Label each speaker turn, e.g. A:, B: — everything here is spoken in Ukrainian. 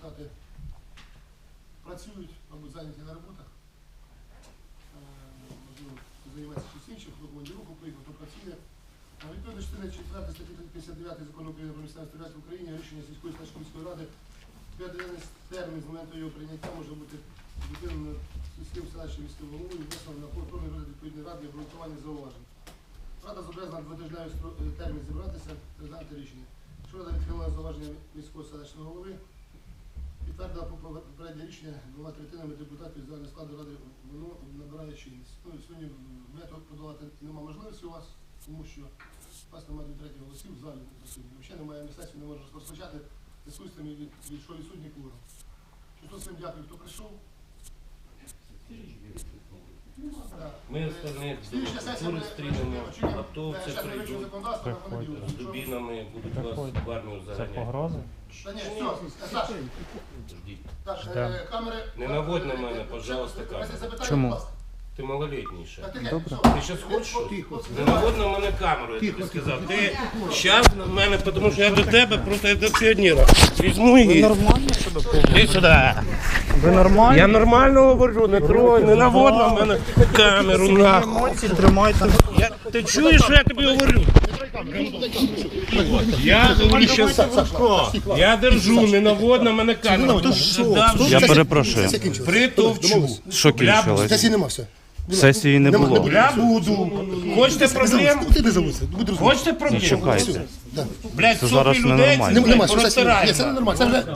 A: депутати працюють, мабуть, зайняті на роботах. Можливо, займається щось іншим, хто командировку поїхав, хто працює. Відповідно частини 4 статті 59 Закону України про місцеве самоврядування в Україні рішення сільської селищної міської ради 5-денний термін з моменту його прийняття може бути відповідно сільським селищним міським головою внесено на повторний розгляд відповідної ради і обґрунтування зауважень. Рада зобов'язана 2-тижневий термін зібратися та розглянути рішення. Якщо рада відхилила зауваження міського селищного голови, підтвердила попереднє рішення 2/3 депутатів з загального складу ради, воно набирає чинність. Ну, сьогодні вето подолати немає можливості у вас, тому що у вас немає 2/3 голосів в залі засудні. Взагалі немає сесію, не може розпочати дискусіями від що відсутній кворум. Що всім дякую, хто прийшов.
B: Ми остальні культури стрінемо, готовці прийдуть, з дубінами будуть вас в армію
C: Це
B: заганяти.
C: погрози?
A: Та ні, все, Саша,
B: Ждіть.
A: так, камери...
B: Не наводь на мене, пожалуйста, камеру.
C: Чому?
B: Ти малолетній ще.
A: Добре.
B: Ти зараз хочеш? Не наводь на мене камеру, я тобі сказав. Ти зараз на мене, тому що я до тебе, просто я до піонера. Візьму і...
C: Нормально себе поводите?
B: Іди сюди.
C: Ви нормально?
B: Я нормально говорю, не трой, не наводь на мене камеру, нахуй.
C: Емоції тримайте.
B: Ти чуєш, що я тобі говорю? Я говорю, що я держу, не наводь на мене камеру.
C: Я перепрошую.
B: Притовчу.
C: Що кінчилось?
A: Сесії нема, все.
C: Сесії не було.
B: Я буду. Хочете проблем?
A: Ти не заводься, будь розумний.
B: Хочете проблем?
C: Чекайте.
B: Блядь,
C: Це зараз
B: сотні людей
C: ненормально.
B: це
A: Нема, що сесії.
B: розтираємо.
A: Ні, це не нормально. Це вже